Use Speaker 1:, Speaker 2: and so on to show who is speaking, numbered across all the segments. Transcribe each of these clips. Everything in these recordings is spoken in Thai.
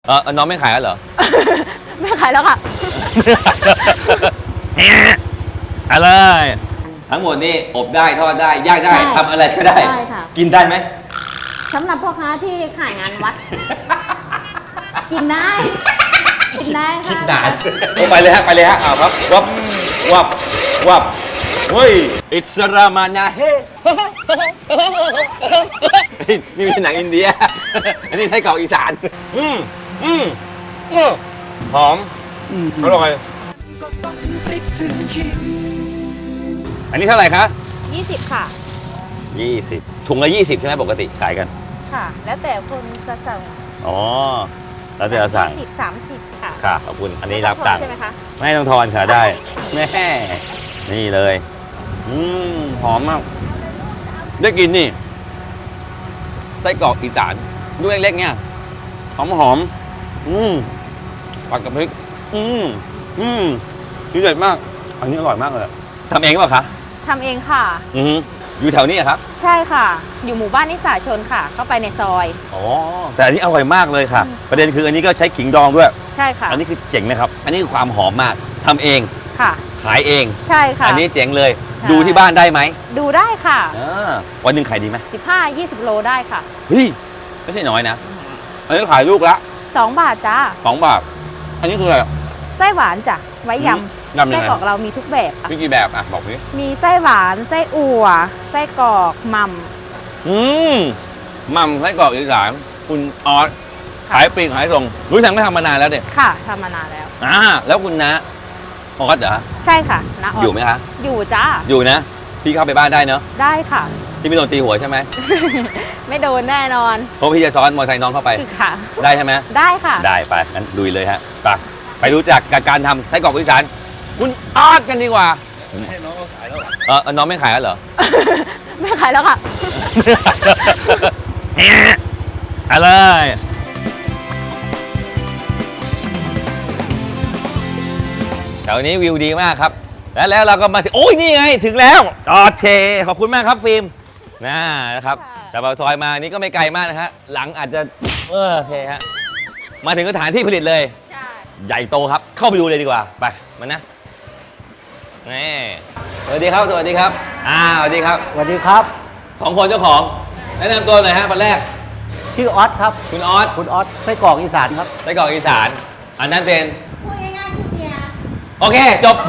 Speaker 1: น้องไม่ขายแล้วเหรอ
Speaker 2: ไม่ขายแล้วค่ะ
Speaker 1: อะไรทั้งหมดนี่อบได้ทอดได้ย่างได้ทำอะไรก็ได้
Speaker 2: ได้ค่ะ
Speaker 1: กินได้ไหม
Speaker 2: สำหรับพ่อค้าที่ขายงานวัด กินได้ กินได้ค่ะ
Speaker 1: คิดนานไปเลยฮะอ้าวครับวับเฮ้ยอิสรามานาเฮนี่เป็นหนังอินเดีย อันนี้ไส้กรอกอีสานหอมอร่อยอันนี้เท่าไหร่คะ
Speaker 2: 20 ค่ะ
Speaker 1: 20ถุงละ20ใช่ไหมปกติขายกัน
Speaker 2: ค่ะ แล้วแต่คนจะสั่ง
Speaker 1: อ๋อแล้วแต่เราสั่ง
Speaker 2: 20-30 ค่ะ
Speaker 1: ค่ะขอบคุณอันนี้รับตังค์
Speaker 2: ใช่ไหมคะ
Speaker 1: ไม่ต้องทอนค่ะได้แม่นี่เลยหอมมากได้กินนี่ไส้กรอกอีสานลูกเล็กๆเนี่ยหอมผัดกับพริกดีเด็ดมากอันนี้อร่อยมากเลยทำเองเปล่าคะ
Speaker 2: ทำเองค่ะ
Speaker 1: อยู่แถวนี้ครับ
Speaker 2: ใช่ค่ะ อยู่หมู่บ้านนิสาชนค่ะ เข้าไปในซอย
Speaker 1: อ๋อแต่อันนี้อร่อยมากเลยค่ะ ประเด็นคืออันนี้ก็ใช้ขิงดองด้วย
Speaker 2: ใช่ค่ะ
Speaker 1: อันนี้คือเจ๋งนะครับอันนี้คือความหอมมากทำเอง
Speaker 2: ค่ะ
Speaker 1: ขายเอง
Speaker 2: ใช่ค่ะ
Speaker 1: อันนี้เจ๋งเลย
Speaker 2: ใช่
Speaker 1: ดูที่บ้านได้ไหม
Speaker 2: ดูได้ค่ะ
Speaker 1: วันหนึ่งขายดีไหม
Speaker 2: 15-20 โลได้ค่ะ
Speaker 1: เฮ้ยไม่ใช่น้อยนะอันนี้ขายลูกละ
Speaker 2: 2 บาทจ้า
Speaker 1: 2 บาทอันนี้คืออะไร
Speaker 2: ไส้หวานจ้ะ ไว้ย
Speaker 1: ยำ
Speaker 2: ำ
Speaker 1: ยังไง
Speaker 2: ไส้กรอกเรามีทุกแบบค่ะ
Speaker 1: มีกี่แบบอ่ะบอกพี่
Speaker 2: มีไส้หวาน ไส้อั่ว ไส้กรอกหม่
Speaker 1: หม่ำไส้กรอกอีสานคุณออสขายปลีกขายส่งรู้ทางไม่ทำมานานแล้วเนี่ย
Speaker 2: ำค่ะทำมานานแล้ว
Speaker 1: แล้วคุณนะออสเหรอ
Speaker 2: ใช่ค่ะนะออ
Speaker 1: อยู่ไหมคะ
Speaker 2: อยู่จ้า
Speaker 1: อยู่นะพี่เข้าไปบ้านได้เนอะ
Speaker 2: ได้ค่ะ
Speaker 1: พี่ไม่โดนตีหัวใช่ไหม
Speaker 2: ไม่โดนแน่นอน
Speaker 1: เพราะพี่จะซ้อนมอเตอร์ไซค์น้องเข้าไป
Speaker 2: ค่ะ
Speaker 1: ได้ใช่ไหม
Speaker 2: ได้ค่ะ
Speaker 1: ได้ไปงั้นลุยเลยฮะไปรู้จักกับการทำไส้กรอกอีสานคุณออสกันดีกว่าให้น้องเขาขายแล้วน้องไม่ขายแล้วเหรอ
Speaker 2: ไม่ขายแล้วค่ะ
Speaker 1: อะไรแถวนี้วิวดีมากครับ แล้วเราก็มาถึงโอ้ยนี่ไงถึงแล้วจอดเทขอบคุณมากครับฟิล์มนะครับ
Speaker 2: ค่ะ
Speaker 1: แต่พอซอยมานี่ก็ไม่ไกลมากนะฮะหลังอาจจะโอเคฮะมาถึงสถานที่ผลิตเลย
Speaker 2: ใช่
Speaker 1: ใหญ่โตครับเข้าไปดูเลยดีกว่าไปมานะนี่สวัสดีครับสวัสดีครับสวัสดีครับ
Speaker 3: สวัสดีครับ
Speaker 1: 2 คนเจ้าของแนะนำตัวหน่อยฮะคนแรก
Speaker 3: ชื่อออสครับ
Speaker 1: คุณออส
Speaker 3: คุณออสไส้กรอกอีสานครับ
Speaker 1: ไส้กรอกอีสานอันนั้นเป็น
Speaker 2: พูดง่ายๆคือเมีย
Speaker 1: โอเคจบ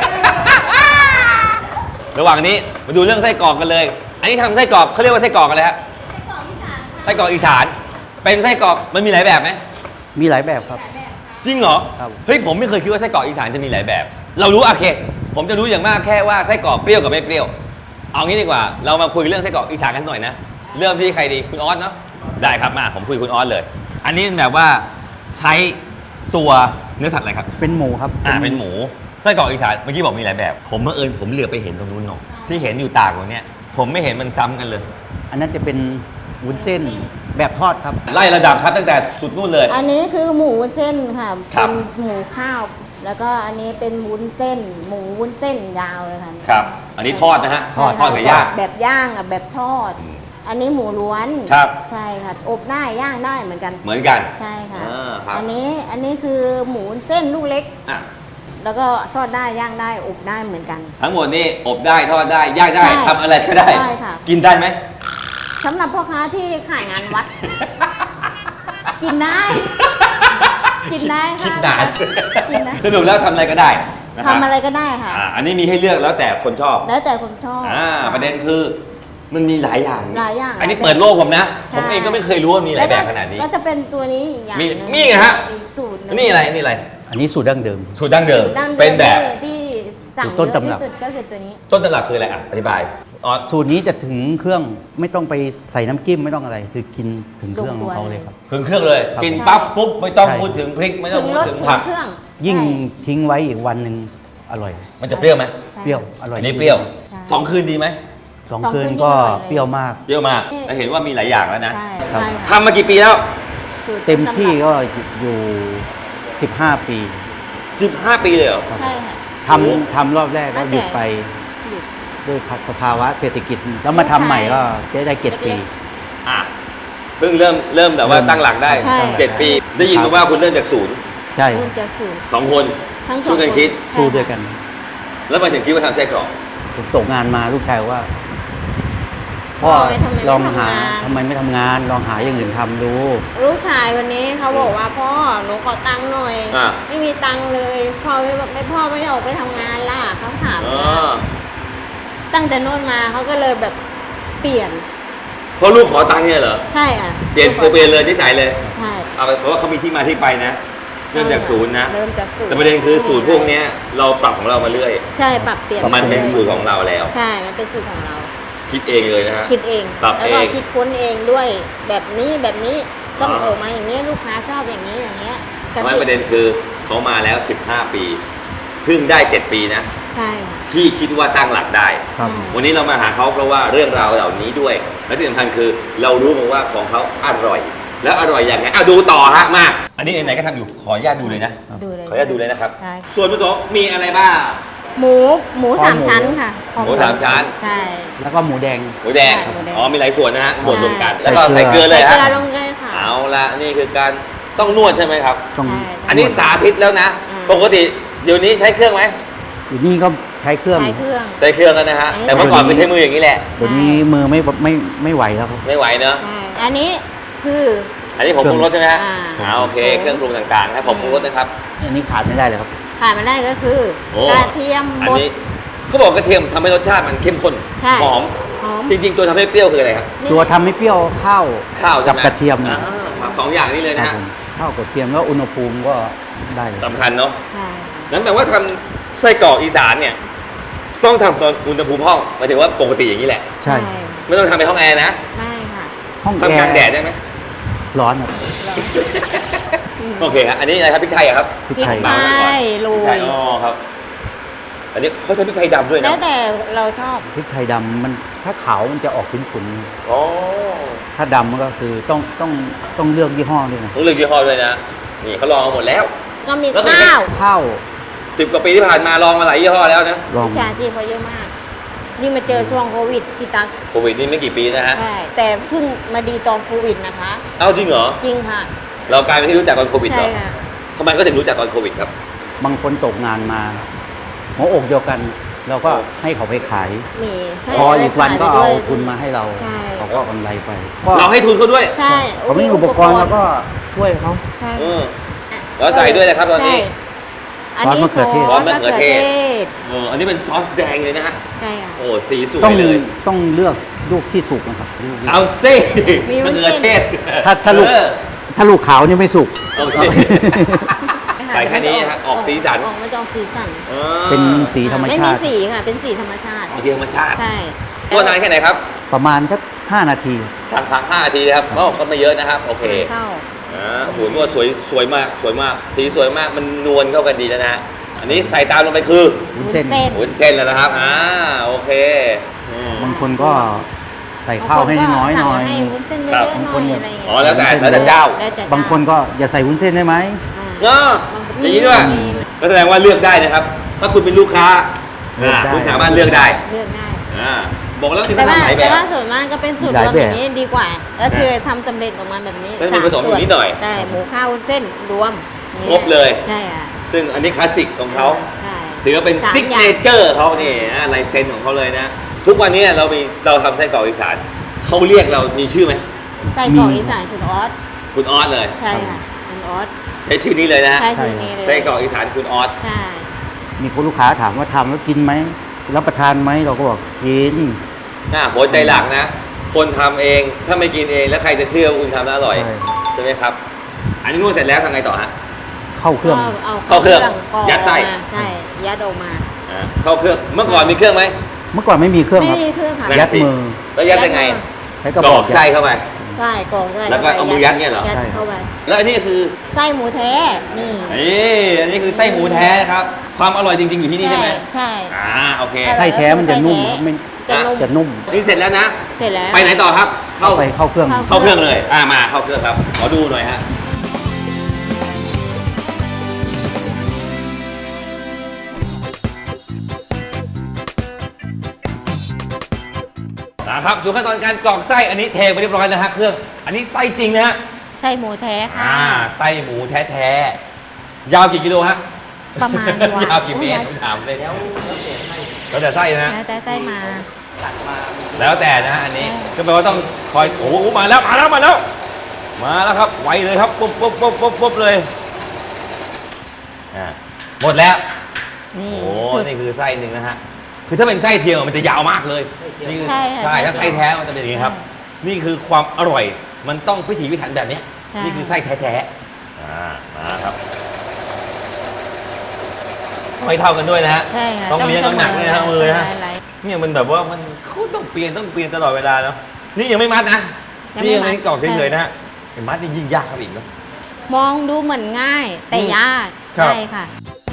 Speaker 1: ระหว่างนี้มาดูเรื่องไส้กรอกกันเลย อันนี้ทำไส้กรอกเขาเรียกว่าไส้กรอกอะไรฮะไส้กรอกอีสานเป็นไส้กรอกมันมีหลายแบบไหม
Speaker 3: มีหลายแบบครับ
Speaker 1: จริงเหรอ
Speaker 3: ครับ
Speaker 1: เฮ้ยผมไม่เคยคิดว่าไส้กรอกอีสานจะมีหลายแบบ เรารู้โอเค ผมจะรู้อย่างมากแค่ว่าไส้กรอกเปรี้ยวกับไม่เปรี้ยวเอางี้ดีกว่าเรามาคุยเรื่องไส้กรอกอีสานกันหน่อยนะเริ่มที่ใครดีคุณออสเนาะได้ครับมาผมคุยคุณออสเลย อันนี้แบบว่าใช้ตัวเนื้อสัตว์อะไรครับ
Speaker 3: เป็นหมูครับ
Speaker 1: เป็นหมูไส้กรอกอีสานเมื่อกี้บอกมีหลายแบบ ผมเมื่อเอิญผมเหลือไปเห็นตรงนู้นเนาะที่เห็นอยู่ตากตรงเนี้ยผมไม่เห็นมันซ้ำกันเลย
Speaker 3: อันนั้นจะเป็นวุ้นเส้นแบบทอดครับ
Speaker 1: ไล่ระดับครับตั้งแต่สุดนู่นเลย
Speaker 4: อันนี้คือหมูวุ้นเส้นค่ะ
Speaker 1: ครั
Speaker 4: เป็
Speaker 1: บ
Speaker 4: นหมูข้าว แล้วก็อันนี้เป็นวุ้นเส้น หมูวุ้นเส้นยาวเลยค่ะ
Speaker 1: ครับ อันนี้ทอดนะฮะ
Speaker 4: ใช่
Speaker 1: ทอดกับย่าง
Speaker 4: แบบย่างกับแบบทอด อันนี้หมูล้วน
Speaker 1: ครับ
Speaker 4: ใช่ค่ะ อบได้ย่างได้เหมือนกัน
Speaker 1: เหมือนกัน
Speaker 4: ใช่ค่ะ
Speaker 1: ครับ
Speaker 4: อันนี้คือหมูวุ้นเส้นลูกเล็ก
Speaker 1: อ่ะ
Speaker 4: แล้วก็ทอดได้ย่างได้อบได้เหมือนกัน
Speaker 1: ทั้งหมดนี่อบได้ทอดได้ย่างได้
Speaker 4: ใช่
Speaker 1: ทำอะไรก็ได้
Speaker 4: ใช่ค่ะ
Speaker 1: กินได้ไหม
Speaker 4: สำหรับพ่อค้าที่ขายงานวัด กินได้ กินได้ค่ะ
Speaker 1: คิดนาน
Speaker 4: กินได้
Speaker 1: สรุปแล้วทำอะไรก็ได้นคบ
Speaker 4: ทำอะไรก็ได้ค่ะ
Speaker 1: อันนี้มีให้เลือกแล้วแต่คนชอบ
Speaker 4: แล้วแต่คนชอบ
Speaker 1: ประเด็นคือมันมีหลายอย่าง
Speaker 4: หลายอย่าง
Speaker 1: อันนี้เปิดโลกผมนะ
Speaker 4: ใช่
Speaker 1: ผมเองก็ไม่เคยรู้ว่ามีหลายแบบขนาดนี้
Speaker 4: ก็จะเป็นตัวนี้อีกอย่าง
Speaker 1: มี
Speaker 4: หนึ่ง
Speaker 1: มีไงฮะ
Speaker 4: อีกสูตรหง
Speaker 1: นี่อะไรนี่อะไร
Speaker 3: อันนี้สูตรดั้งเดิม
Speaker 1: สูตรดั้งเดิม
Speaker 4: ดั้งดิม
Speaker 1: เป็นแบบ
Speaker 4: ที่สั่ง
Speaker 3: สูตรต้น
Speaker 4: เยอะ
Speaker 3: ตำรับ
Speaker 4: ที่สุดก็คือตัวนี้
Speaker 1: ต้นตำรับคืออะไรอ่ะอธิบายออส
Speaker 3: สูตรนี้จะถึงเครื่องไม่ต้องไปใส่น้ำจิ้มไม่ต้องอะไร คือกินถึงเครื่องของเขาเลยครับ
Speaker 1: ถึงเครื่องเลย
Speaker 3: ครับ
Speaker 1: กินปั๊บปุ๊บไม่ต้อง
Speaker 3: ใช่
Speaker 1: พูดถึงพริกไม่ต้
Speaker 4: ถึ
Speaker 1: อง
Speaker 4: ง
Speaker 1: พู
Speaker 4: ร
Speaker 1: ด
Speaker 4: ส
Speaker 1: ถึง
Speaker 4: ถึง
Speaker 1: ผัก
Speaker 4: เครื่อง
Speaker 3: ยิ่ง
Speaker 4: ใช่
Speaker 3: ทิ้งไว้อีกวันหนึ่งอร่อย
Speaker 1: มันจะเปรี้ยวไหม
Speaker 4: ใช่
Speaker 3: เปรี้ยวอร่อย
Speaker 1: อันนี้เปรี้ยว
Speaker 4: ใช่
Speaker 1: 2 คืนดีไหม
Speaker 3: สอง
Speaker 4: สอง
Speaker 3: คืน
Speaker 4: คืน
Speaker 3: ก็
Speaker 4: ยิ่งอร่อยเลย
Speaker 3: เปรี้ยวมาก
Speaker 1: เปรี้ยวมากแต่เห็นว่ามีหลายอย่างแล้วนะ
Speaker 4: ใช่
Speaker 3: ครับ
Speaker 4: ใช่ค่ะ
Speaker 1: ทำมากี่ปีแล้ว
Speaker 4: สูตร
Speaker 3: เต็มที่
Speaker 4: ตำรับ
Speaker 3: ก็อยู่ 15 ปี
Speaker 1: 15 ปีเลยเหรอ
Speaker 4: ใช่ค่ะ
Speaker 3: ทำรอบแรกก็หยุดไป
Speaker 4: หยุด
Speaker 3: ด้วยสภาวะเศรษฐกิจ แล้วมาทำใหม่ก็จะได้7 ปี
Speaker 1: อ่ะเพิ่งเริ่มแบบว่าตั้งหลักได้
Speaker 2: ใช่
Speaker 1: 7 ปี ได้ยินมาว่าคุณเริ่มจากศูนย์
Speaker 3: ใช่
Speaker 2: เริ่มจากศูนย์
Speaker 1: 2 คน
Speaker 2: ทั้งสอง
Speaker 1: ช่วยกันคิด
Speaker 2: ใช่
Speaker 3: สู้ด้วยกัน
Speaker 1: แล้วมาถึงคิดว่าทำไส้กรอก
Speaker 3: ผมตกงานมาลูกชายว่าพ่อลองหาทำไมไม่ทำงานลองหาอย่างอื่นทำดู
Speaker 2: ลูกชายวันนี้เขาบอกว่าพ่อหนูขอตังค์หน่อย
Speaker 1: อ่า
Speaker 2: ไม่มีตังค์เลยพ่อไม่ออกไปทำงานล่ะเขาถาม
Speaker 1: อ๋
Speaker 2: เนี่ย
Speaker 1: อ
Speaker 2: ตั้งแต่โน่นมาเขาก็เลยแบบเปลี่ยน
Speaker 1: เพราะลูกขอตังค์เนี่ยเหรอ
Speaker 2: ใช่อ่ะ
Speaker 1: เปลี่ยนเลยนิสัยเลย
Speaker 2: ใช่
Speaker 1: เอาเพราะว่าเขามีที่มาที่ไปนะ เริ่มจากศูนย์นะ
Speaker 2: เริ่มจากศูนย์
Speaker 1: แต่ประเด็นคือสูตรพวกเนี้ยเราปรับของเรามาเรื่อย
Speaker 2: ใช่ปรับเปลี่ยน
Speaker 1: มันเป็น
Speaker 2: ลย
Speaker 1: สูตรของเราแล้ว
Speaker 2: ใช่ มันเป็นสูตรของเรา
Speaker 1: คิดเองเลยนะฮะ
Speaker 2: คิดเอง
Speaker 1: ปรับ
Speaker 2: แล้วก็
Speaker 1: เอง
Speaker 2: คิดค้นเองด้วยแบบนี้ต้อง
Speaker 1: อ่า
Speaker 2: ออกมาอย่างนี้ลูกค้าชอบอย่างนี้อย่างเงี้ยกะ
Speaker 1: ไม่
Speaker 2: ทิ
Speaker 1: ประเด็นคือเขามาแล้ว 15 ปี เพิ่งได้ 7 ปีนะ
Speaker 2: ใช่ค่ะ
Speaker 1: ที่คิดว่าตั้งหลักได้
Speaker 3: ครับ
Speaker 1: วันนี้เรามาหาเขาเพราะว่าเรื่องราวเหล่านี้ด้วย และที่สำคัญคือเรารู้มาว่าของเขาอร่อย แล้วอร่อยอย่างไงดูต่อฮะมาก อันนี้ไหนๆก็ทำอยู่ขออนุญาตดูเลยนะ
Speaker 2: ดูเลย
Speaker 1: ขออนุญาตดูเลยนะครับ
Speaker 2: ใช่
Speaker 1: ส่วนผสมมีอะไรบ้าง
Speaker 2: หมูสามชั้นค่ะ
Speaker 1: หมูสามชั้น
Speaker 2: ใช่
Speaker 3: แล้วก็หมูแดง
Speaker 1: หมูแดง
Speaker 2: ใช่หมูแดง
Speaker 1: อ๋อมีหลายส่วนนะฮะบดรวมกัน
Speaker 3: ใช่
Speaker 1: แล้วก็ใส่เกลือเลย
Speaker 2: ใส่
Speaker 1: ฮะ
Speaker 2: เกลือลงเลยค่ะ
Speaker 1: เอาละนี่คือการต้องนวดใช่ไหมครับ
Speaker 3: ต้อง
Speaker 2: ใช่
Speaker 1: อันนี้สาธิตแล้วนะ
Speaker 2: อืม
Speaker 1: ปกติเดี๋ยวนี้ใช้เครื่องไหม
Speaker 3: อยู่นี่ก็ใช้เครื่อง
Speaker 2: ใช้เครื่อง
Speaker 1: ใช้เครื่องแล้วนะฮะ
Speaker 2: อันนี้
Speaker 1: แต่เมื่อก่อนไม่ใช้มืออย่างนี้แหละ
Speaker 3: เดี๋ยวนี้มือไม่ไหวแล้วครับ
Speaker 1: ไม่ไหวเนอะ
Speaker 2: ใช่อันนี้คือ
Speaker 1: อันนี้ผมปรุงรสใช่ไหมฮะ
Speaker 2: อ่า
Speaker 1: โอเคเครื่องปรุงต่างๆนะผมปรุงรสนะครับ
Speaker 3: อันนี้ขาดไม่ได้เลยครับ
Speaker 2: ขาดมาได้ก็คือ
Speaker 1: โอ้
Speaker 2: กระเทียม
Speaker 1: อัน
Speaker 2: บด
Speaker 1: นี้เขาบอกกระเทียมทำให้รสชาติมันเข้มข้น
Speaker 2: ใช่
Speaker 1: หอม
Speaker 2: หอม
Speaker 1: จริงๆ ตัวทำให้เปรี้ยวคืออะไรครับ
Speaker 2: นี่
Speaker 3: ตัวทำให้เปรี้ยวข้าว
Speaker 1: ข้าวใช่
Speaker 3: กับ
Speaker 1: ไหม
Speaker 3: กระเทียม
Speaker 1: อ่าครับสองอย่างนี้เลย
Speaker 3: ค
Speaker 1: นะ
Speaker 3: รับ
Speaker 1: ฮะ
Speaker 3: ผมข้าวกับกระเทียมแล้วอุณหภูมิก็ได้เลย
Speaker 1: สำคัญเนาะ
Speaker 2: ใช่
Speaker 1: นั้นแปลว่าทำไส้กรอกอีสานเนี่ยต้องทำตอนอุณหภูมิห้องหมายถึงว่าปกติอย่างนี้แหละ
Speaker 3: ใช่
Speaker 1: ไม่ต้องทำในห้องแอร์นะ
Speaker 2: ไม่ค่ะ
Speaker 3: ห้องแอ
Speaker 1: ทำกลาง
Speaker 3: ร์
Speaker 1: แดดได้ไหม
Speaker 3: ร้อนครับ
Speaker 1: โอเคฮะอันนี้อะไรครับพริกไทยอะครับ
Speaker 3: พริก
Speaker 2: พริก
Speaker 3: ไทย
Speaker 2: ไทยโร
Speaker 1: พริกไทย
Speaker 2: ย
Speaker 1: อ๋อครับ อันนี้เขาใช้พริกไทยดำด้วย
Speaker 2: แล้
Speaker 1: นะ
Speaker 2: วแต่เราชอบ
Speaker 3: พริกไทยดำมันถ้าขาวมันจะออกขุ่น
Speaker 1: อ๋อ
Speaker 3: ๆถ้าดำมันก็คือต้องเลือกยี่ห้อด้วยนะ
Speaker 1: ต้องเลือกยี่ห้อด้วยนะ นี่เขาลองมาหมดแล้ว
Speaker 2: ก็มี
Speaker 1: แล้วเป็นไง
Speaker 2: ข้าว
Speaker 3: ข้าว
Speaker 1: 10 กว่าปีที่ผ่านมาลองมาหลายยี่ห้อแล้วนะ
Speaker 3: ลอง
Speaker 2: ชาจีเขาเยอะมาก นี่มาเจอช่วงโควิดพี่ตั๊ก
Speaker 1: โควิดนี่ไม่กี่ปีนะฮะ
Speaker 2: ใช่ แต่เพิ่งมาดีตอนโควิดนะคะ
Speaker 1: เอ้าจริงเหรอ
Speaker 2: จริงค่ะ
Speaker 1: เรากลายเป็นที่รู้จักตอนโควิดเหร
Speaker 2: ใช่
Speaker 1: อ
Speaker 2: ค่ะ
Speaker 1: ทำไมก็ถึงรู้จักตอนโควิดครับ
Speaker 3: บางคนตกงานมาหัวอกเดียวกัน เราก็ให้เขาไปขาย
Speaker 2: มีใช่
Speaker 3: พออีกวันก็
Speaker 2: ขยไป
Speaker 3: เอา
Speaker 2: ด้วย
Speaker 3: ทุนมาให้เรา
Speaker 2: ใช่
Speaker 3: เขาก็กำไรไปก็
Speaker 1: เราให้ทุนเขาด้วย
Speaker 2: ใช่
Speaker 3: เขามีอุปกรณ์แล้วก็ช่วยเขา
Speaker 2: ใช่
Speaker 1: เออ แล้วใส่ด้วยนะครับตอนนี้
Speaker 2: ใช่อันนี้
Speaker 3: ซอสมะเขือเทศ
Speaker 2: ซอสมะเขือเทศ
Speaker 1: อันนี้เป็นซอสแดงเลยนะฮะ
Speaker 2: ใช่ค่ะ
Speaker 1: โอ้สีสว
Speaker 3: ต้อง
Speaker 1: ยเลย
Speaker 3: ต้องเลือกลูกที่สุกนะครับลูกที่
Speaker 1: เอาซิ
Speaker 2: มี
Speaker 1: มะ
Speaker 2: วุ้น
Speaker 1: เขือ
Speaker 2: เส้น
Speaker 1: เทศ
Speaker 3: ถ้าลูก
Speaker 1: เออ
Speaker 3: ถ้าลูกขาวนี่ไม่สุก
Speaker 1: โอเค ใส่แค่นี้ฮะออกสีสัน
Speaker 2: ออกมาจะออกสีสัน
Speaker 3: เป็นสีธรรม
Speaker 2: ไม่
Speaker 3: ชา
Speaker 2: มี
Speaker 3: ติ
Speaker 2: สีค่ะ เป็นสีธรรมชาติ
Speaker 1: เอาสีธรรมชาติ
Speaker 2: ใช่
Speaker 1: นวดนานแค่ไหนครับ
Speaker 3: ประมาณสัก5 นาที
Speaker 1: พัก5 นาทีนะครับก็ไม่เยอะนะครับ โอเค
Speaker 2: เข้า
Speaker 1: โอ้โหนวดสวยมากสวยมาก สีสวยมากมันนวลเข้ากันดีแล้วนะ อันนี้ใส่ตามลงไปคือ
Speaker 3: วุ้นเส้น
Speaker 1: วุ้นเส้นแล้วนะครับโอเคอืม
Speaker 3: บางคนก็ใส่ข้าวให้น้อยหน่อย
Speaker 2: ให้วุ้นเส้นเย
Speaker 1: ครั
Speaker 2: อะ
Speaker 1: บ
Speaker 2: ๆหน่อยอะไรอย่างเงี้ย
Speaker 1: อ๋อแล้วแต่เจ้า
Speaker 2: แล้วแต่
Speaker 3: บางคนก็อย่าใส่วุ้นเส้นได้ไหม
Speaker 1: เอออย่างนี้ด้วยก็แสดงว่าเลือกได้นะครับ ถ้าคุณเป็นลูกค้า
Speaker 3: เลือกได้
Speaker 1: คุณสามารถเลือกได้
Speaker 2: เลือกได้
Speaker 1: บอกแล้วมี
Speaker 2: แต่
Speaker 1: ปัญ
Speaker 2: ว่า
Speaker 1: หาหลายแบ
Speaker 2: แต่
Speaker 1: บ
Speaker 2: ว่าส่วนมากก็เป็นสูตร
Speaker 3: หลาย
Speaker 2: รวม
Speaker 3: แบบ
Speaker 2: อย่างนี้ดีกว่า ก็คือทำสำเร็จออกมาแบบนี้
Speaker 1: ไม่มีผสมอยู่นิดหน่อย
Speaker 2: ได้หมูข้าววุ้นเส้นรวมนี่
Speaker 1: ครบเลย
Speaker 2: ใช่ค่ะ
Speaker 1: ซึ่งอันนี้คลาสสิกของเขา
Speaker 2: ใช่
Speaker 1: ถือว่าเป็น
Speaker 2: สาม
Speaker 1: ซิก
Speaker 2: อย่า
Speaker 1: เน
Speaker 2: ง
Speaker 1: เจอร์เขานี่นะลายเซ็นของเขาเลยนะ ทุกวันนี้เราทำไส้กรอกอีสานเขาเรียกเรามีชื่อไหม
Speaker 2: ไส้กรอกอีสานคุณออส
Speaker 1: คุณออสเลย
Speaker 2: ใช่ค่ะคุณออส
Speaker 1: ใช้ชื่อนี้เลยนะฮะ
Speaker 2: ใช่ชื่อนี้เลย
Speaker 1: ไส้กรอกอีสานคุณออส
Speaker 2: ใช่
Speaker 3: มีคนลูกค้าถามว่าทำแล้วกินไหมรับประทานไหมเราก็บอกกิน
Speaker 1: หัวใจหลักนะ คนทำเองถ้าไม่กินเองแล้วใครจะเชื่อว่าคุณทำแล้วอร่อย
Speaker 3: ใช่
Speaker 1: ใช่ไหมครับ อันนี้นวดเสร็จแล้วทำไงต่อฮะ
Speaker 3: เข้าเครื่อง
Speaker 2: ก็เอา
Speaker 1: เข้าเครื่อง
Speaker 2: กรอก
Speaker 1: ยัดไส้
Speaker 2: มาใช่ยัดออกมา
Speaker 1: เข้าเครื่องเมื่อก่อนมีเครื่องไหม
Speaker 3: เมื่อก่อนไม่มีเครื่อง
Speaker 2: ไม่
Speaker 3: ครับ
Speaker 2: มีเครื่องค่ะ
Speaker 1: นั่น
Speaker 3: ยัด
Speaker 1: สิ
Speaker 3: มือ
Speaker 1: แล้วยัดยังไง
Speaker 3: ใช้ก
Speaker 1: ก
Speaker 3: ระ
Speaker 1: ร
Speaker 3: บ
Speaker 1: อ
Speaker 3: อก
Speaker 1: กไส้เข้าไป
Speaker 2: ใช่กรอกไส้
Speaker 1: แล้วก็เอามือยัดเนี่ยเหรอ
Speaker 2: ยัด
Speaker 3: ใช่ครับ
Speaker 2: เข้าไป
Speaker 1: แล้วอันนี้คือ
Speaker 2: ไส้หมูแท้นี่
Speaker 1: อันนี้คือไส้หมูแท้ครับ ความอร่อยจริงๆอยู่ที่นี่ใช่ไหม
Speaker 2: ใช่
Speaker 1: โอเค
Speaker 3: ไส้แท้มันจะนุ่มครับไม่
Speaker 2: จะนุ่ม
Speaker 3: จะนุ่ม
Speaker 1: นี่เสร็จแล้วนะ
Speaker 2: เสร็จแล้ว
Speaker 1: ไปไหนต่อครับ เข้า
Speaker 3: ไปเข้าเครื่อง
Speaker 2: เข้า
Speaker 1: เข้าเครื่องเลย มาเข้าเครื่องครับ ขอดูหน่อยฮะ คครับสู่ขั้นตอนการกรอกไส้อันนี้เทไปเรียบร้อยแล้วฮะเครื่องอันนี้ไส้จริงนะฮะ
Speaker 2: ใช่หมูแท้ค่ะ
Speaker 1: ไส้หมูแท้ๆยาวกี่กิโลฮะ
Speaker 2: ประมาณ
Speaker 1: ยาวกี่เมตรผมถามเลยแล้วแต่ไส้นะ
Speaker 2: แล้วแต่ไส้มา
Speaker 1: แล้วแต่นะฮะอันนี้ก็แปลว่าต้องคอยโอ้โหมาแล้วครับไวเลยครับปุ๊บเลยหมดแล้ว
Speaker 2: นี่
Speaker 1: โอ้
Speaker 2: สุด
Speaker 1: นี่คือไส้หนึ่งนะฮะคือถ้าเป็นไส้เทียมมันจะยาวมากเลยนี่คือ
Speaker 2: ใช่ค่ะ
Speaker 1: ใช่ถ้าไส้แท้มันจะเป็นอย่างนี้ครับ นี่คือความอร่อยมันต้องพิถีพิถันแบบนี้
Speaker 2: ใช่
Speaker 1: นี่คือไส้แท้ๆมาครับไม่เท่ากันด้วยนะฮะ
Speaker 2: ใช่ค่ะ
Speaker 1: ต้องเลี้ยงน้ำหนักด้วยนะฮะมือนะ
Speaker 2: อะไร
Speaker 1: เนี่ยมันแบบว่ามันเขาต้องเปลี่ยนตลอดเวลาเนาะนี่ยังไม่มัดนะ
Speaker 2: ยังไม่
Speaker 1: นี่ยัง
Speaker 2: มัด
Speaker 1: ไม่กรอกเฉยๆนะฮะไอ้มัดนี่ยิ่งยากครับอีกเนาะ
Speaker 2: มองดูเหมือนง่าย แต่ยาก
Speaker 1: ครับ
Speaker 2: ใช่ค่ะ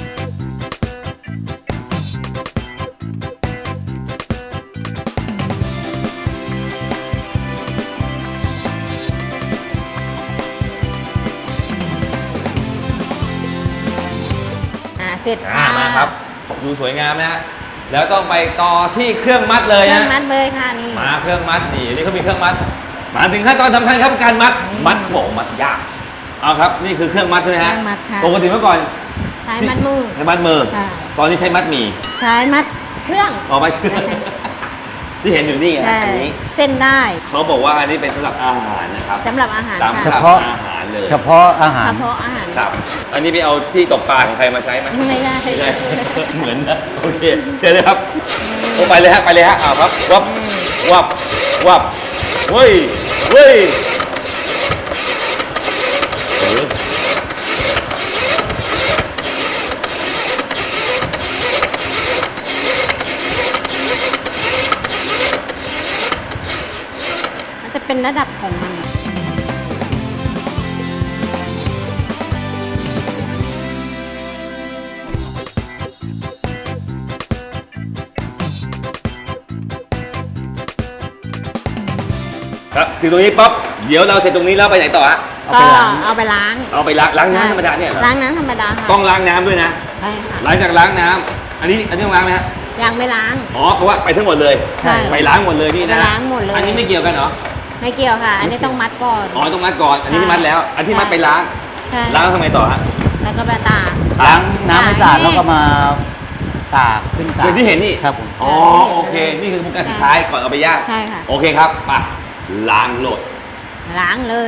Speaker 2: เสร็จค่ะ
Speaker 1: มาครับดูสวยงามนะฮะแล้วต้องไปต่อที่เครื่องมัดเลย
Speaker 2: เครื่อ
Speaker 1: นะ
Speaker 2: งมัดเลยค่ะนี่
Speaker 1: มาเครื่องมัดนี่เขามีเครื่องมัด มาถึงขั้นตอนสำคัญครับการมัดเขาบอกมัดยากเอาครับนี่คือเครื่องมัดใช่ไหม
Speaker 2: เค
Speaker 1: ฮะ
Speaker 2: รื่องมัดค่ะ
Speaker 1: ปกติเมื่อก่อน
Speaker 2: ใช้มัดมือ
Speaker 1: ใช้มัดมือ
Speaker 2: ค่ะ
Speaker 1: ตอนนี้ใช้มัดหมี่
Speaker 2: ใช้มัดเครื่อง
Speaker 1: ออกมาที่เห็นอยู่นี่ฮะ
Speaker 2: ใช่
Speaker 1: อันนี้
Speaker 2: เส้นได้
Speaker 1: เขาบอกว่าอันนี้เป็นสำหรับอาหารนะครับ
Speaker 2: สำหรับอาหาร
Speaker 1: สำห
Speaker 3: เฉ
Speaker 1: รับ
Speaker 2: ค่ะ
Speaker 3: พาะ
Speaker 1: อาหารเลย
Speaker 3: เฉพาะอาหาร
Speaker 2: เฉพาะอาหาร
Speaker 1: ครับ อันนี้ไปเอาที่ตกปลาของใครมาใช้ไหม
Speaker 2: ไม่ได้
Speaker 1: ไม่ได้ เหมือนนะโอเคเชิญเลยครับโอ้ไปเลยฮะอ้าวครับวับเฮ้ยโอ้โห
Speaker 2: มันจะเป็นระดับของมัน
Speaker 1: ครับถึงตรงนี้ปั๊บเดี๋ยวเราเสร็จตรงนี้แล้วไปไหนต่อฮะ
Speaker 3: เอา
Speaker 2: ก็
Speaker 3: ไปล้าง
Speaker 2: เอาไปล้าง
Speaker 1: เอาไปล้างน้ำธรรมดาเนี่ยเหรอ
Speaker 2: ล้างน้ำธรรมดาค่ะ
Speaker 1: ต้องล้างน้ำด้วยนะ
Speaker 2: ใช่ค่ะ
Speaker 1: หลังจากล้างน้ำอันนี้ต้องล้างไหมฮะ
Speaker 2: ยังไม่ล้าง
Speaker 1: อ๋อเพราะว่าไปทั้งหมดเลย
Speaker 2: ใช่
Speaker 1: ไปล้างหมดเลยนี่นะ
Speaker 2: ไปล้างหมดเลย
Speaker 1: อันนี้ไม่เกี่ยวกันเหรอ
Speaker 2: ไม่เกี่ยวค่ะ อันนี้ต้องมัดก่อน
Speaker 1: อ๋อต้องมัดก่อนอันนี้ที่มัดแล้ว อันที่มัดไปล้าง
Speaker 2: ใช่
Speaker 1: ล้างทำไมต่อฮะ
Speaker 2: แล้วก็ไปตาก
Speaker 3: ล้างน้ำให้สะอาด
Speaker 2: ให้
Speaker 3: แล้วก็มาตากขึ้นตาก
Speaker 1: อย่างที่เห็นนี่
Speaker 3: ครับผม
Speaker 1: อ๋อโอเค นี่คือการสุดท้ายก่อนเอาไปย่าง
Speaker 2: ใช่ค่ะ
Speaker 1: โอเคครับมาล้างโหลด
Speaker 2: ล้างเลย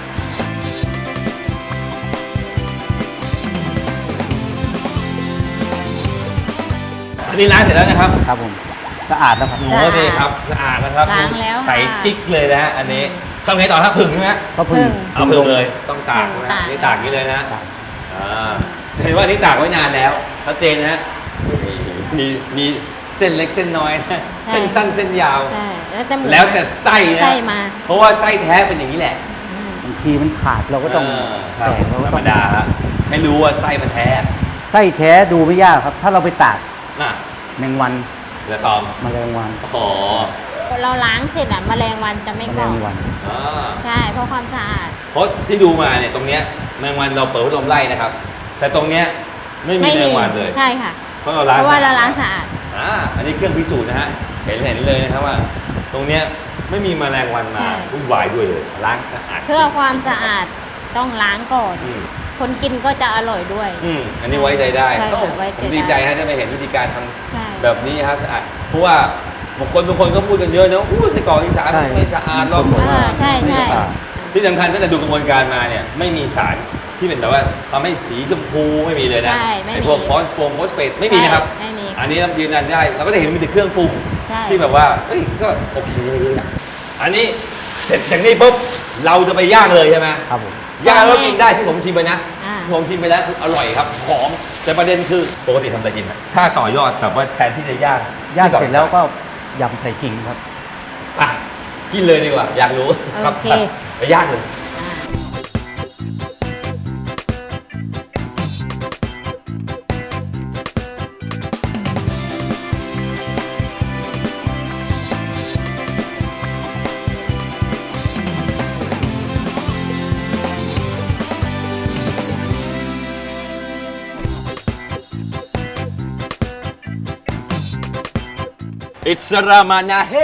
Speaker 1: อันนี้ล้างเสร็จแล้วนะครับ
Speaker 3: ครับผมสะอาดแล้วครับ
Speaker 1: โอ้นี่ครับสะอาดนะครับ
Speaker 2: ล้างแล้ว
Speaker 1: ใส
Speaker 2: ค่ะ
Speaker 1: กิ๊กเลยนะฮะอันนี้ทำไงต่อครับผึ่งใช่ไหม
Speaker 3: ก็พึ่ง
Speaker 1: เอาผึ่งเลยต้องตาก
Speaker 2: ผึ่ง
Speaker 1: นะ
Speaker 2: ตาก
Speaker 1: นี่ตากอย่างนี้เลยนะ
Speaker 3: ตาก
Speaker 1: จะเห็นว่าอันนี้ตากไว้นานแล้วชัดเจนนะฮะมีเส้นเล็กเส้นน้อยนะเส้นสั้นเส้นยาว
Speaker 2: ใช่แล้วแต่หมู
Speaker 1: แล้วแต่ไส้นะ
Speaker 2: ไส้มา
Speaker 1: เพราะว่าไส้แท้เป็นอย่างนี้แหละ
Speaker 3: บางทีมันขาดเราก็ต้อง
Speaker 1: ครับ
Speaker 3: แตกเราก็
Speaker 1: ธร
Speaker 3: ต้
Speaker 1: ร
Speaker 3: อ
Speaker 1: ม
Speaker 3: ง
Speaker 1: ดาฮะให้รู้ว่าไส้มันแท้
Speaker 3: ไส้แท้ดูไม่ยากครับ ถ้าเราไปตาก
Speaker 1: น่ะ
Speaker 3: แมงวัน
Speaker 1: แล้วตอม
Speaker 3: แมลงวัน
Speaker 1: อ๋อ
Speaker 2: เราล้างเสร็จอะแมลงวันจะไม่
Speaker 3: แม
Speaker 2: เกาะ
Speaker 3: ลงวัน
Speaker 1: อ่า
Speaker 2: ใช่เพราะความสะอาด
Speaker 1: เพราะที่ดูมาเนี่ยตรงเนี้ยแมงวันเราเปิดพัดลมไล่นะครับ แต่ตรงเนี้ยไม่มีแมงวันเลย
Speaker 2: ใช่ค่ะ
Speaker 1: เพราะเราล้าง
Speaker 2: เพราะว่าเราล้าง
Speaker 1: สะอาด
Speaker 2: สะอาด
Speaker 1: อันนี้เครื่องพิสูจน์นะฮะเห็นเลยนะครับว่า ตรงเนี้ยไม่มีแมลงวันมา
Speaker 2: ใช่
Speaker 1: วุ่นวายด้วยเลยล้างสะอาด
Speaker 2: เพื่อความสะอาดต้องล้างก่อน
Speaker 1: อืม
Speaker 2: คนกินก็จะอร่อยด้วย
Speaker 1: อันนี้ไว้ใจได้
Speaker 2: ใช่
Speaker 1: โอ้
Speaker 2: ไว้ใจ
Speaker 1: ผมดีใจฮะได้มาเห็นวิธีการทำ
Speaker 2: ใช่
Speaker 1: แบบนี้ครับสะอาดเพราะว่าบางคนก็พูดกันเยอะนะอู้ในเกาะอีสาน
Speaker 3: ใช่
Speaker 1: ไม่สะอาดหรอก
Speaker 2: ใช่
Speaker 1: ไม่
Speaker 2: ใช่
Speaker 1: สะอาดที่สำคัญตั้งแต่ดูกระบวนการมาเนี่ยไม่มีสารที่เป็นแบบว่าทำให้สีชมพูไม่มีเลยนะ
Speaker 2: ใช่ไม่มี
Speaker 1: ไอ้พวกฟอสเฟตไม่มีนะครับ
Speaker 2: ไม่มี
Speaker 1: อันนี้เรายืนยันได้เราก็จะเห็นมีแต่เครื่องปรุง
Speaker 2: ใช่
Speaker 1: ที่แบบว่าเอ้ยก็โอเคเลยอะอันนี้เสร็จจากนี้ปุ๊บเราจะไปย่างเลยใช่ไหม
Speaker 3: ครับผม
Speaker 1: ย่างแล้วกินได้ที่ผมชิมไปนะ
Speaker 2: อ่า
Speaker 1: ที่ผมชิมไปแล้วคืออร่อยครับหอมแต่ประเด็นคือปกติทำอะไรกินอะถ้าต่อยอดแบบว่าแทนที่จะย่าง
Speaker 3: ย่างเสร็จแล้วก็ยำใส่ขิงครับ
Speaker 1: อ่ะกินเลยดีกว่า อยากรู้ครับ
Speaker 2: โอเค
Speaker 1: ไปย่างเลย
Speaker 2: อ่า
Speaker 1: อิสรามานาเฮ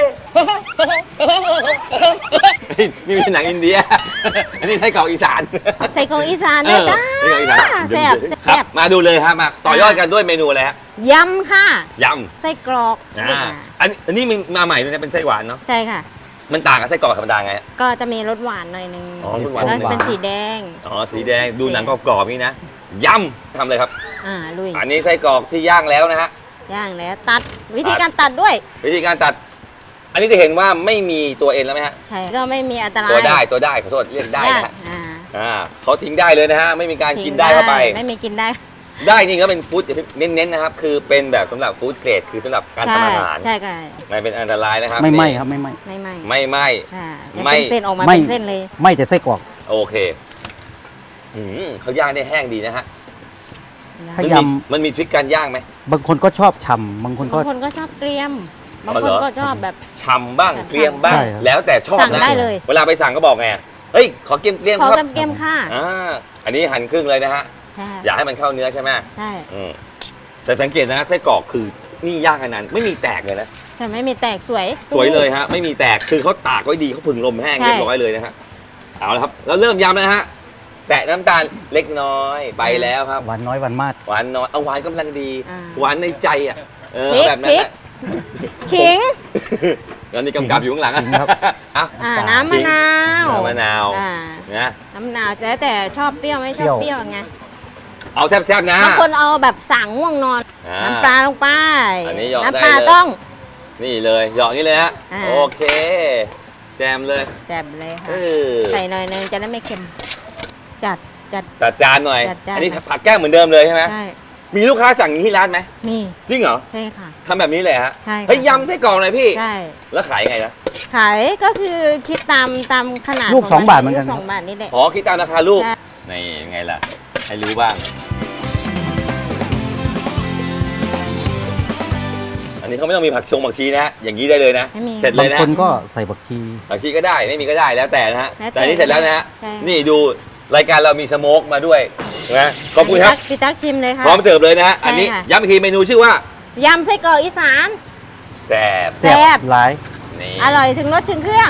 Speaker 1: นี่เป็นหนังอินเดีย อันนี้ไส้กรอกอีสาน
Speaker 2: ใส่กรอกอีสานนะจ้า
Speaker 1: ไส้กรอกอีสาน
Speaker 2: แซ่บ
Speaker 1: ค
Speaker 2: แซ่
Speaker 1: รับบ มาดูเลยฮะมาต่อยอดกันด้วยเมนูอะไรฮะ
Speaker 2: ยำค่ะ
Speaker 1: ย
Speaker 2: ไส้กรอก
Speaker 1: ำอันนี้มันมาใหม่ด้วยนะเป็นไส้หวานเนาะ
Speaker 2: ใช่ค่ะ
Speaker 1: มันต่างกับไส้กรอกธรรมดาไงฮะ
Speaker 2: ก็จะมีรสหวานหน่อยนึง
Speaker 1: อ๋อรสหวาน
Speaker 2: แล้วเป็นสีแดง
Speaker 1: อ๋อสีแดงดูหนังกรอบๆนี่นะยำทำเลยครับ
Speaker 2: ลุย
Speaker 1: อันนี้ไส้กรอกที่ย่างแล้วนะฮะ
Speaker 2: ย่างแล้วตัดวิธีการตัดด้วย
Speaker 1: วิธีการตัด อันนี้จะเห็นว่าไม่มีตัวเอ็นแล้วไหมฮะ
Speaker 2: ใช่ก็ไม่มีอันตราย
Speaker 1: ตัวได้ขอโทษเรียกได้นะฮะ
Speaker 2: อ่า
Speaker 1: เขาทิ้งได้เลยนะฮะไม่มีการกินได้เข้าไป
Speaker 2: ไม่มีกินได้
Speaker 1: ได้นี่ก็เป็นฟู้ดเน้นๆนะครับ คือเป็นแบบสำหรับฟู้ดเกรดคือสำหรับการทำอาหาร
Speaker 2: ใช่ค่ะ
Speaker 1: ไม่เป็นอันตรายนะครับ
Speaker 3: ไม่ไหม
Speaker 1: นี่
Speaker 3: ครับไม่ไหม
Speaker 2: ไม่
Speaker 1: ไม่
Speaker 2: ค่ะยัง
Speaker 1: ไม่
Speaker 2: เป็นเส้นออกมา
Speaker 3: ไม่
Speaker 2: เป็นเส้นเลย
Speaker 3: ไหมแต่ไส้กรอก
Speaker 1: โอเคเขาย่างได้แห้งดีนะฮะ
Speaker 3: ถ้า
Speaker 1: มัน
Speaker 3: ย
Speaker 1: มันมีทริคการย่างไหม
Speaker 3: ำบางคนก็ชอบฉ่ำบางคนก็
Speaker 2: บางคนก็ชอบเกรียม บาง
Speaker 1: อ๋อ
Speaker 2: ค
Speaker 1: เหร
Speaker 2: น
Speaker 1: อ
Speaker 2: ก็ชอบแบบ
Speaker 1: ฉ่ำบ้าง
Speaker 2: ใช่
Speaker 1: เกรียมบ้าง
Speaker 3: ใช่ครับ
Speaker 1: แล้วแต่ชอบ
Speaker 2: สั่ง
Speaker 1: นะ
Speaker 2: ได้เลย
Speaker 1: เวลาไปสั่งก็บอกไงเฮ้ยขอเกรียม
Speaker 2: ขอ
Speaker 1: ครับ
Speaker 2: เกรียมค่ะ
Speaker 1: อันนี้หั่นครึ่งเลยนะฮะ
Speaker 2: ใช่
Speaker 1: อยากให้มันเข้าเนื้อใช่ไหม
Speaker 2: ใช่
Speaker 1: แต่สังเกตนะไส้กรอกคือนี่ย่างอันนั้นไม่มีแตกเลยนะ
Speaker 2: แต่ไม่มีแตกสวย
Speaker 1: สวยเลยฮะ ไม่มีแตกคือเขาตากไว้ดีเขาผึ่งลมแห้ง
Speaker 2: ใช่
Speaker 1: เรียบร้อยเลยนะฮะเอาละครับแล้วเริ่มยำนะฮะแตะน้ำตาลเล็กน้อยไปแล้วครับ
Speaker 3: หวานน้อยหวานมาก
Speaker 1: หวานน้อยเอาหวานกำลังดี หวานในใจอ่ะ
Speaker 2: พริก
Speaker 1: แบบนั้น
Speaker 2: พริก
Speaker 1: แหละ
Speaker 2: ขิง
Speaker 1: แล้วนี่กำกับอยู่ข้างหลังอะ
Speaker 3: จริงครับ
Speaker 1: อ่ะ
Speaker 2: น้ำมะนาว
Speaker 1: น้ำมะนาว
Speaker 2: อ่า
Speaker 1: นะ
Speaker 2: น้ำมะนาวแต่ชอบเปรี้ยวไม่ชอบเปรี้ยวไง
Speaker 1: เอาแซ่บๆนะ
Speaker 2: บางคนเอาแบบสั่งง่วงนอน
Speaker 1: อ่า
Speaker 2: น้ำปลาลงไป
Speaker 1: อันนี้หยอด
Speaker 2: น้ำปลา
Speaker 1: ได้เลย
Speaker 2: ต้อง
Speaker 1: นี่เลยหยอกนี่เลยฮะ
Speaker 2: อ่า
Speaker 1: โอเคแจมเลย
Speaker 2: แจ่มเลย
Speaker 1: เอ
Speaker 2: ค่ะ
Speaker 1: อ
Speaker 2: ใส่หน่อยนึงจะได้ไม่เค็ม จัด
Speaker 1: จัดจานหน่อย
Speaker 2: จัดจาน
Speaker 1: อันนี้ผักแก้มเหมือนเดิมเลยใช่ไหม
Speaker 2: ใช่
Speaker 1: มีลูกค้าสั่งอย่างนี้ที่ร้านไหม
Speaker 2: มี
Speaker 1: จริงเหรอ
Speaker 2: ใช่ค่ะ
Speaker 1: ทำแบบนี้เลยฮะ
Speaker 2: ใช่ค่ะ
Speaker 1: เฮ้ยยำไส้กรอกหน่อยพี่
Speaker 2: ใช่
Speaker 1: แล้วขายยังไงนะ
Speaker 2: ขายก็คือคิดตามขนาด
Speaker 3: ลูก
Speaker 2: ขง
Speaker 3: 2 บาทเหมือนกัน
Speaker 2: ลูก2 บาทนี่แหละ
Speaker 1: อ๋อคิดตามราคาลูก
Speaker 2: ใช่
Speaker 1: นี่ยังไงล่ะ ให้รู้บ้าง อันนี้เขาไม่ต้องมีผักชีนะฮะอย่างนี้ได้เลยนะ
Speaker 2: ไม่มี
Speaker 1: เสร็จเล
Speaker 3: บาง
Speaker 1: ยนะ
Speaker 3: คนก็ใส่บักชี
Speaker 1: ผักชีก็ได้ไม่มีก็ได้แล้วแต่นะฮะ
Speaker 2: แล้วแต่
Speaker 1: แต่อันนี้เสร็จแล้วนะฮะ
Speaker 2: ใช่
Speaker 1: นี่ดูรายการเรามีสโมกมาด้วยนะขอบคุณครับ
Speaker 2: พี่ตั๊กชิมเลยค่ะ
Speaker 1: พร้อมเสิร์ฟเลยนะฮะ
Speaker 2: ใช่
Speaker 1: อันนี้
Speaker 2: ค่ะ
Speaker 1: ย้ำอีกทีเมนูชื่อว่าย
Speaker 2: ำไส้กรอกอีสาน
Speaker 1: แซ่บ
Speaker 2: แซ่บ
Speaker 3: หลาย
Speaker 1: นี่
Speaker 2: อร่อยถึงรสถึงเครื่อง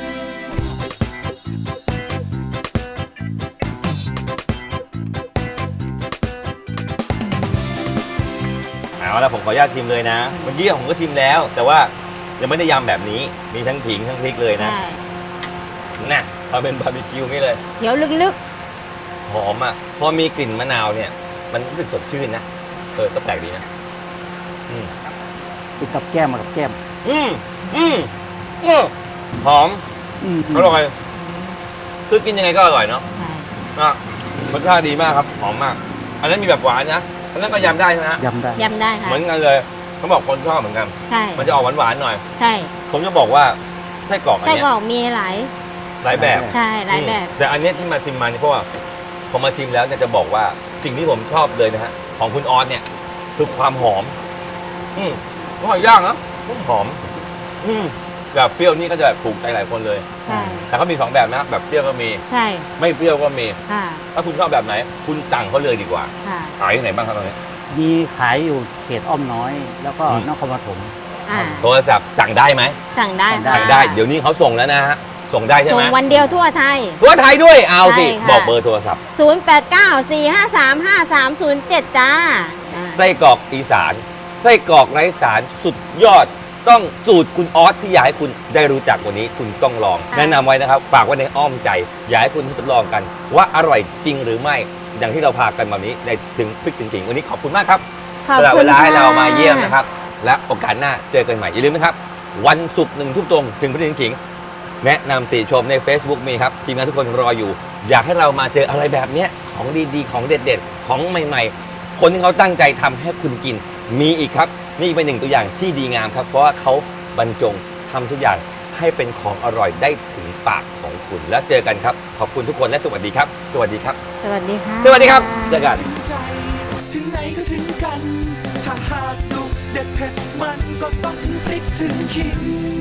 Speaker 1: เอาละผมขออนุญาตชิมเลยนะเมื่อกี้ผมก็ชิมแล้ว แต่ว่ายังไม่ได้ยำแบบนี้มีทั้งผิงทั้งพริกเลยนะ
Speaker 2: ใช่
Speaker 1: น่ะทำเป็นบาร์บีคิวนี่เลย
Speaker 2: เดี๋ยวลึก
Speaker 1: หอมอ่ะพอมีกลิ่นมะนาวเนี่ย มันรู้สึกสดชื่นนะก็แปลกดีนะ
Speaker 3: ติดกับแก้มมากับแก้ม
Speaker 1: อืมอืมหอม
Speaker 3: อืม
Speaker 1: อร่อยคือกินยังไงก็อร่อยเนาะ
Speaker 2: ๆใช่
Speaker 1: อ่ะรสชาติดีมากครับหอมมาก อันนั้นมีแบบหวานนะอันนั้นก็ยำได้ใช่ไหมฮะ
Speaker 3: ยำได้
Speaker 2: ยำได้ค่ะ
Speaker 1: เหมือนกันเลยเขาบอกคนชอบเหมือนกัน
Speaker 2: ใช่
Speaker 1: มันจะออกหวานๆหน่อย
Speaker 2: ใช่
Speaker 1: ผมจะบอกว่าไส้กรอกอัน
Speaker 2: ไส้
Speaker 1: เนี้
Speaker 2: กร
Speaker 1: ย
Speaker 2: อกมีหลาย
Speaker 1: หลายแบบ
Speaker 2: ใช่หลายแบบ
Speaker 1: แต่อันเนี้ยที่มาชิมมานี่เพราะว่าพอมาชิมแล้วเนี่ยจะบอกว่าสิ่งที่ผมชอบเลยนะฮะของคุณออสเนี่ยคือความหอมอร่อยย่างนะหอมแบบเปรี้ยวนี่ก็จะแบบถูกใจหลายคนเลย
Speaker 2: ใช่
Speaker 1: แต่เขามี2แบบนะแบบเปรี้ยวก็มี
Speaker 2: ใช่
Speaker 1: ไม่เปรี้ยวก็มี
Speaker 2: ค่ะ
Speaker 1: ถ้าคุณชอบแบบไหน คุณสั่งเขาเลยดีกว่า
Speaker 2: ค่ะ
Speaker 1: ขายที่ไหนบ้างครับตอนนี้
Speaker 3: มีขายอยู่เขตอ้อมน้อย แล้วก็
Speaker 1: อืม
Speaker 3: นครปฐม
Speaker 2: อ่า
Speaker 1: โทรศัพท์สั่งได้ไหม
Speaker 2: สั่งได้
Speaker 3: สั่งได้
Speaker 2: ค่ะ
Speaker 1: สั่งได้เดี๋ยวนี้เขาส่งแล้วนะฮะส่งได้ใช่
Speaker 2: ส่
Speaker 1: ไห
Speaker 2: ง
Speaker 1: ม
Speaker 2: วันเดียวทั่วไทย
Speaker 1: ทั่วไทยด้วยเอาสิ
Speaker 2: ใช่ค่ะ
Speaker 1: บอกเบอร์โทรศัพท์
Speaker 2: 0894535307 จ้า
Speaker 1: ไส้กรอกอีสานไส้กรอกไร้สารสุดยอดต้องสูตรคุณออสที่อยากให้คุณได้รู้จักวันนี้คุณต้องลอง
Speaker 2: ค่ะ
Speaker 1: แนะนำไว้นะครับฝากไว้ในอ้อมใจ อยากให้คุณทดลองกัน ว่าอร่อยจริงหรือไม่อย่างที่เราพากันแบบนี้ในถึงพริกถึงๆวันนี้ขอบคุณมากครับ
Speaker 2: ขอบ
Speaker 1: สำหรับ
Speaker 2: คุ
Speaker 1: เว
Speaker 2: ณ
Speaker 1: ลาให้
Speaker 2: ค่ะ
Speaker 1: เรามาเยี่ยมนะครับ และโอกาสหน้าเจอกันใหม่อย่าลืมนะครับ วันศุกร์1 ทุ่มตรงถึงพฤหัสขิงแนะนำติชมใน Facebook มีครับทีมงานทุกคนรออยู่ อยากให้เรามาเจออะไรแบบเนี้ยของดีๆของเด็ดๆของใหม่ๆ คนที่เขาตั้งใจทำให้คุณกินมีอีกครับ นี่เป็นหนึ่งตัวอย่างที่ดีงามครับ เพราะว่าเขาบรรจงทำทุกอย่างให้เป็นของอร่อยได้ถึงปากของคุณแล้วเจอกันครับขอบคุณทุกคนและสวัสดีครับ สวัสดีครับ
Speaker 2: สวัสดีค่ะ
Speaker 1: สวัสดีครับเจอกัน
Speaker 5: ถึงใจถึงไหนก็ถึงกัน ถ้าหากดุเด็ดเผ็ดมันก็ต้องถึงพริกถึงขิง